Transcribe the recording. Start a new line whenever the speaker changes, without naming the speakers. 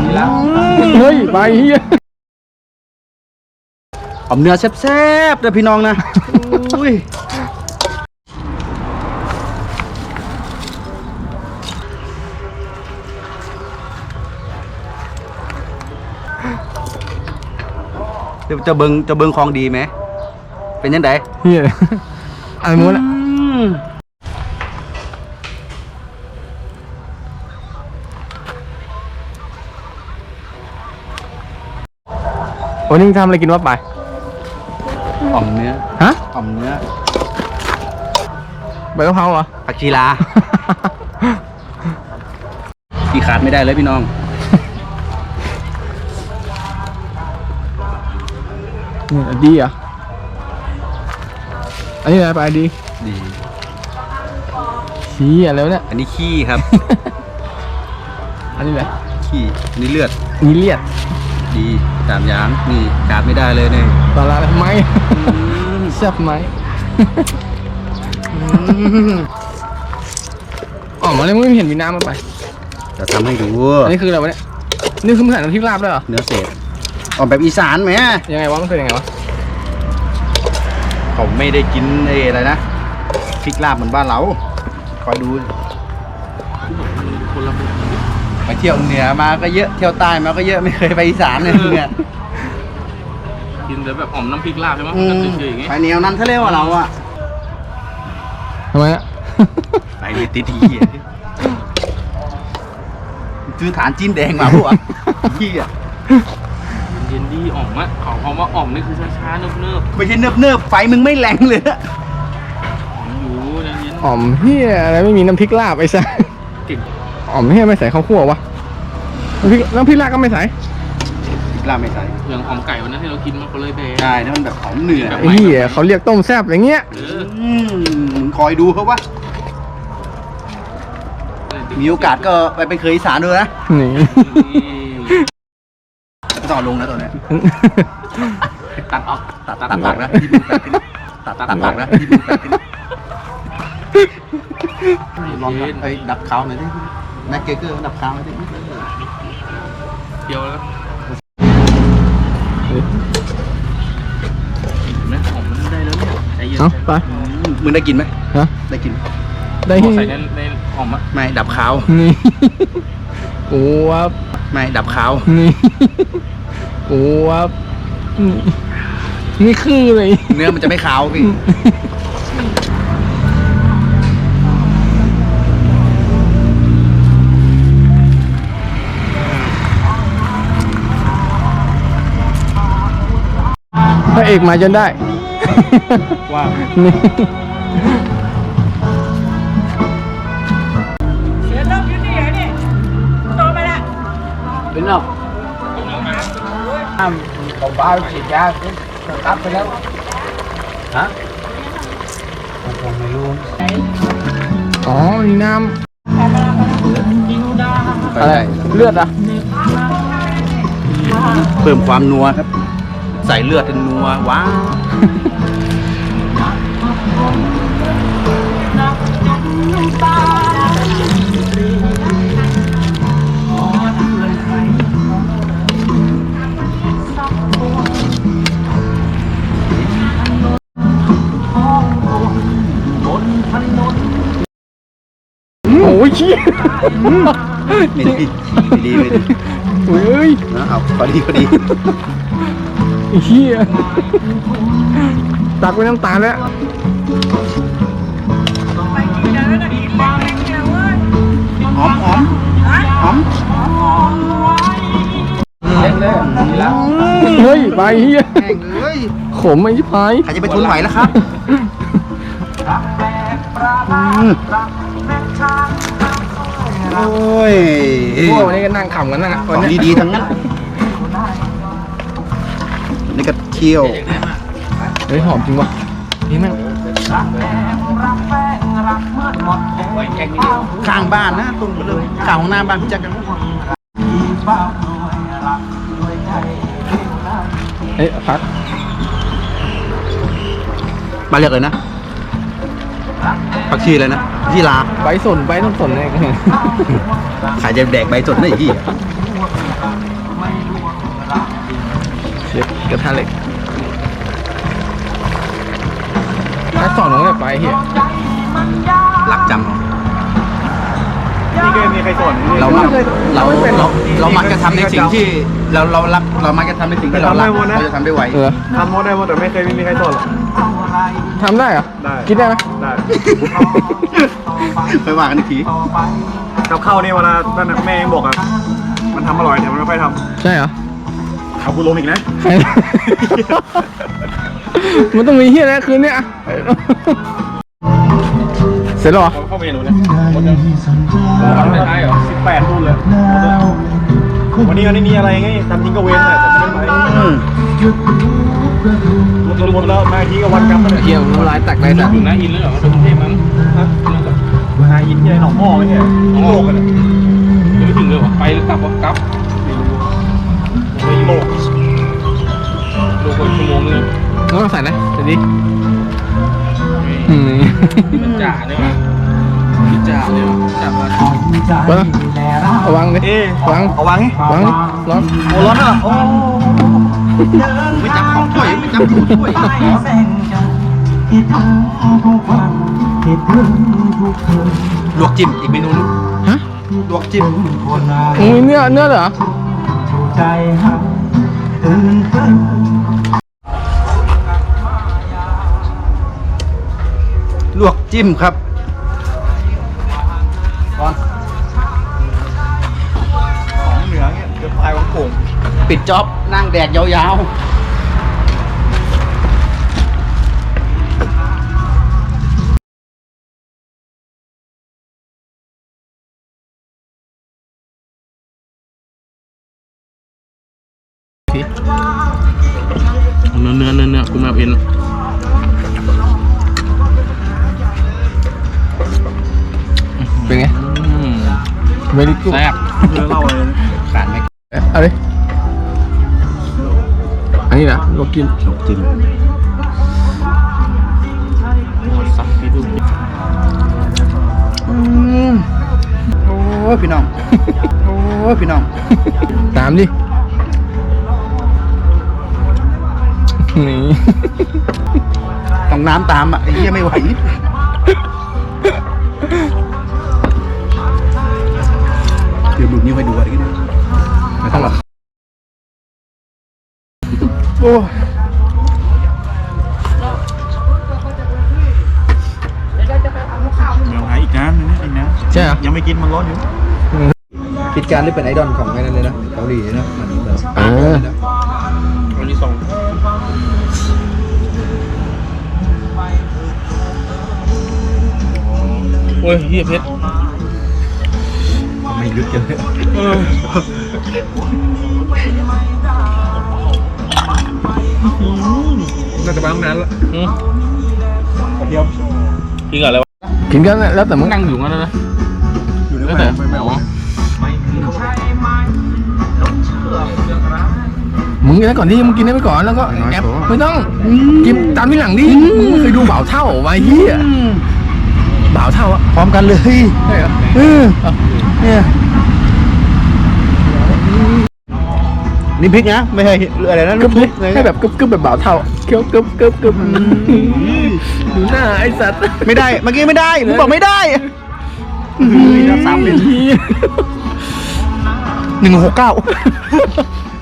เฮ้ยไปเฮีย
เอาเนื้อแซ่บๆเลยพี่น้องนะอุ้ยจะเบิงของดีไหมเป็นยังไง
เฮียอะไรม้วนอะวันนี้มึงทำอะไรกินวะไป
อ่อมเนื้อ
ฮะ
อ่อมเนื้อ
ใบกะเพราเหรอ
ผักชีลา ที่ขาดไม่ได้เลยพี่น้อง
เนี่ยดีอ่ะอันนี้อะไรไปดี
ดี
ชี้อะไรวะเนี่ย
อันนี้ขี้ครับ
อันนี้อะไร
ขี้อันนี้เลือด
นี่เลียด
ดีตามอย่างนี่ขาดไม่ได้เลยเนี่ย
ปลาร้าอะไรไหมแซ่บไหมอ๋อมาเลยมึงไม่เห็นมีน้ำมาไป
จะทำให้ดู
อันนี้คืออะไรวะเนี่ยนี่คือมึงใส่น้ำพริกลาบด้วยเหรอ
เนื้อเศษออกแบบอีสานไหม
ยังไงวะมันคือยังไงวะ
ผมไม่ได้กินอะไรนะพริกลาบเหมือนบ้านเราคอยดูไปเที่ยวเหนือมาก็เยอะเที่ยวใต้มาก็เยอะไม่เคยไปอีสานเลยเนี่ย
กินแต่แบบหอมน้ำพริกลาบใช่ไหมก็ตื่นๆอย่างงี้
ไปแนวนั้นเขาเรียกว่าเราอะ
ทำไมอะ
ไปเลยติดทีซื้อฐานจีนแดงมาพวกพี่อะ
เย็นดีอ่อมอะเขาคำว่าอ่อมนี่คือช้าๆเนิบ
ไม่ใช่เนิบไฟมึงไม่แรงเลยอะ
ๆอ่อมอยู่เย็น
อ๋อมเฮียอะไรไม่มีน้ำพริกลาบไอ้สัส
ๆเก่ง
อ๋อมเฮียไม่ใส่ข้าวคั่ววะน้ำพริกลาบก็ไม่ใส่
พริกลาบไม่ใส่
อย่างหอมไก่วันนั้นที่เรากินมันก็เลยแบน
ใช่นั่นมันแบบหอมเหนือ
แบบ
ไอ้เฮียเขาเรียกต้มแซ่บอย่างเงี้ย
มึงคอยดูเขาว่ามีโอกาสก็ไปเป็นเคยอีสานดูนะ
นี่
ไม่ต้องเอาลงนะตัวเนี้ย
ตัดออก
ตัดหลักนะที่มึงตัดหลักนะที่มึงตัดลองไอ้ดับขาวหน่อยดิแม็กเกอร์ดับขาวหน่อยดิ
เดียวแล้วแม่หอมมันได้แล้วเนี่ยใจเย็น
เอาไป
มึงได้กินไหม
ฮะ
ได้กิน
ได้
ขอ
ที่
ใส่ในหอมอะ
ไม่ดับขาว
นี่โอ้วับ
ไม่ดับขาว
นี่โอ้วับนี่คือเลย
เนื้อมันจะไม่ขาวพี่
พระเอกมาจนได้
ว่า
นี่
เสือต้องอยู่ที่ไหนนี่โตไปละ
เป็นหรอของบ้าฉีดยาตัดไปแล้วฮะผมไม่รู้
อ๋อมีน้
ไป
ำอะไร
ได้
เลือดอ่ะ
เพิ่มความนัวครับ ใส่เลือดเป็นนัวว้าว
โอ้ยชี้
ไม่ดีไม่ดีไม่ดี
เฮ้ย
นะเอาพอดี
ไอ้เหี้ยตักไปน้ำตาลแล้ว
ไปกินแล้วนะกินแรงๆเนี่ยเว้ย
หอมหอมหอม
เฮ้ยไปเหี้ย
แห้งเลย
ขมไอ้ชิบหาย
ใครจะไปทนไหวแล้วครับโอ้ย
พวกวันนี้ก็นั่งขำกันนะ
ข
วัน
อง
เนี้ย
ดีๆทั้งนั้นนี่ก็เคี่ยว
เฮ้ยหอมจริงวะนี่แม่ง
ข้างบ้านนะตรงเลยข้างของหน้าบ้านพี่แจ็คกัน
เอ้ยพัก
มาเรียกเลยนะผักชีเลยนะที่ลา
ใบสนเนี่ย
ขายจะแดกใบสดได้อีกที่
เด็กกระทะเหล็กถ้าสอนน้องเนี่ยไปเฮีย
หลักจำ
นี่ก็มีใครสอน
เรามักจะทำในสิ่งที่เรารักเรามักจะทำในสิ่งที่เรารักเราจะทำได้ไว
ทำหมดได้หมดแต่ไม่เคยมีใครสอนหรอก
ทำได้เหรอ
ได้
คิดได้ไหม
ได้
ไปว่ากันอีกที
กับข้าวนี่เวลานั่นน่ะแม่ยังบอกอ่ะมันทำอร่อยแต่มันไม่ค่อยท
ใช่เหรอ
ำเอากูลงอีกนะ
ใคร มันต้องมีเฮียอะไรคืนเนี้ยเสร็จแล้วเหรอ
เข้าเมนูเนี่ยหมดยังวันไม่ท้ายเหรอ
18รุ่นเลยวันนี้มันไม่มีอะไรไงทำทิ้งก็เว้นแหละแต่ไม่ได้ไปหมดแล้วมาทีก็วันกลับมาเลย
เฮียน้ำลายแตกเลยสัตว์
ถึงหน้าอินแล้วเหรอเป็นกรุงเทพมั้ง
มาอินที่ไหนหนองหม้อไม่ใช่โลกกัน
ยังไม่ถึงเลยเหรอไปหรือกลับวะกลับ
ไม่โลก
ดูคนชั่วโมงนึง
น้องใส่นะเดี๋ยวดิ
นี่มันจ่าเนี่ยวะพี่จ่าเนี่ยวะจ่ามา
เบิ้งเอาวางดิ
เอ๊ะ
วาง
เอาวางไง
วางดิร้อน
โอ้ร้อนอ่ะโอ้
ไม่จับของถ้วยไม่จับของถ้วย ลวกจิ้มอีกเมนูนึง
ฮะ
ลวกจิ้ม
มีเนื้อเหรอ
ลวกจิ้มครับก่อน
ของเหนือเงี้ยเดือดพายของโป่ง
ปิดจ็อบนั่งแดกยาวๆ
เนื้อกูไม่เอาเอ็น
เป็นไงเวลิกู
แซ่บ
เนื้อเหล่าอะไรนะ
ขาดไหม
เอาดิอันนี้นะลวกกิน
ลวกจิ้ม
สักพี่ดู
โอ้ยพี่น้อง โอ้ยพี่น้อง
ตามดินี่
ต้องน้ำตามอ่ะไอ้เหี้ยไม่ไหวเดี๋ยวดูนิ้วให้ดูอะไรกันเนี่ยไม่ต้องหรอก
โอ้
เดี๋ยวหาอีกน้ำนึงนะอีกน้
ใช่เหรอ
ำยังไม่กินมันร้อนอยู่
คิดการนี่เป็นไอดอลของไอ้นั่นเลยนะเกาหลีนะมันแบบ
วันที่สองโอ้ยเฮียเพชร
ไม่ยุดกันเลย
น่าจะมาตั้งนานละกระเทียม
กินกับอะไรวะ
กินกันแล้วแต่
มึ
มึ
ง
ง
นั่งอยู่งั้นนะ
อยู่ใน
แล้ว
แม่
แต่
ไม่เอา
มึงกินได้ก่อนดิมึงกินได้ไปก่อนแล้วก็แอบไม่ต้องกินตามที่หลังดิมึงไม่เคยดูบ่าวเท่าไว้เฮียบ่าวเท่าอะ
พร้อมกันเลย
ใช่เหรอ
เนี่ยนี่พริกนะไม่ใช่อะไรนะ
กึบ
ทุ
ดิ
บเลย
ให้แบบกึบแบบบ่าวเท่าเคี้ยวกึบดูหน้าไอ้สัตว์
ไม่ได้เมื่อกี้ไม่ได้ผมบอกไม่ได้ซ้ำเลย 169